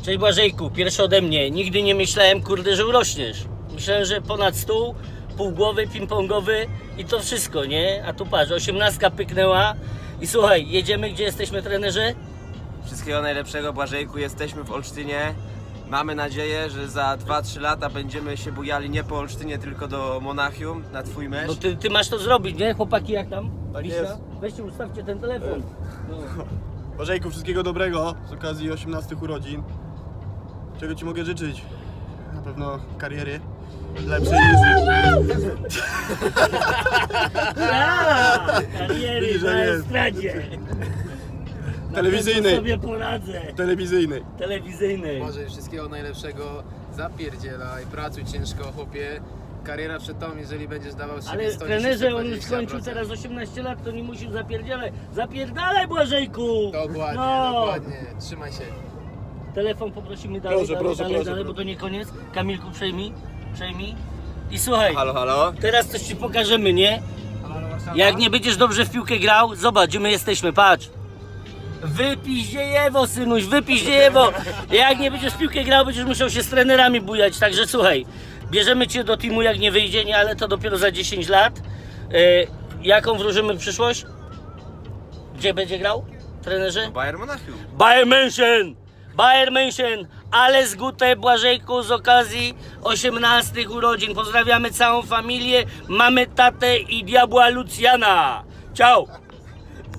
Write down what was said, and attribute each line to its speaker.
Speaker 1: Cześć Błażejku, pierwszy ode mnie. Nigdy nie myślałem, kurde, że urośniesz. Myślałem, że ponad stół, półgłowy, ping-pongowy i to wszystko, nie? A tu patrz, 18 pyknęła i słuchaj, jedziemy, gdzie jesteśmy, trenerze?
Speaker 2: Wszystkiego najlepszego, Błażejku, jesteśmy w Olsztynie. Mamy nadzieję, że za 2-3 lata będziemy się bujali nie po Olsztynie, tylko do Monachium na twój mecz.
Speaker 1: No ty masz to zrobić, nie? Chłopaki, jak tam?
Speaker 3: Tak
Speaker 1: Liśka?
Speaker 3: jest.
Speaker 1: Weźcie, ustawcie ten telefon. No.
Speaker 3: Bożejku, wszystkiego dobrego z okazji 18 urodzin. Czego Ci mogę życzyć? Na pewno kariery lepszej niż...
Speaker 1: Kariery
Speaker 3: Widzisz, że
Speaker 1: na
Speaker 3: jest.
Speaker 1: estradzie.
Speaker 3: Telewizyjnej.
Speaker 1: Na pewno sobie poradzę.
Speaker 3: telewizyjnej.
Speaker 1: Telewizyjnej.
Speaker 4: Może wszystkiego najlepszego, zapierdzielaj, pracuj ciężko, chłopie. Kariera przed tobą, jeżeli będziesz dawał z siebie
Speaker 1: Ale
Speaker 4: 110,
Speaker 1: trenerze, on już
Speaker 4: 120%.
Speaker 1: skończył teraz 18 lat, to nie musisz zapierdzielać. Zapierdalaj, Błażejku!
Speaker 4: Dokładnie,
Speaker 1: No.
Speaker 4: dokładnie. Trzymaj się.
Speaker 1: Telefon poprosimy dalej,
Speaker 3: Proszę,
Speaker 1: dalej,
Speaker 3: proszę,
Speaker 1: dalej,
Speaker 3: proszę,
Speaker 1: dalej,
Speaker 3: proszę.
Speaker 1: bo to nie koniec. Kamilku, przejmij. I słuchaj,
Speaker 2: Halo, halo?
Speaker 1: teraz coś ci pokażemy, nie? Jak nie będziesz dobrze w piłkę grał, zobacz, gdzie my jesteśmy, patrz. Wypiździejewo, synuś, wypiździejewo. Jak nie będziesz w piłkę grał, będziesz musiał się z trenerami bujać, także słuchaj, bierzemy cię do teamu, jak nie wyjdzie, nie, ale to dopiero za 10 lat. Jaką wróżymy przyszłość? Gdzie będzie grał, trenerze?
Speaker 2: Bayern Monachium.
Speaker 1: Bayern München! Bayern München! Ale zgute, Błażejku, z okazji 18 urodzin. Pozdrawiamy całą familię, mamy tatę i diabła Lucjana. Ciao!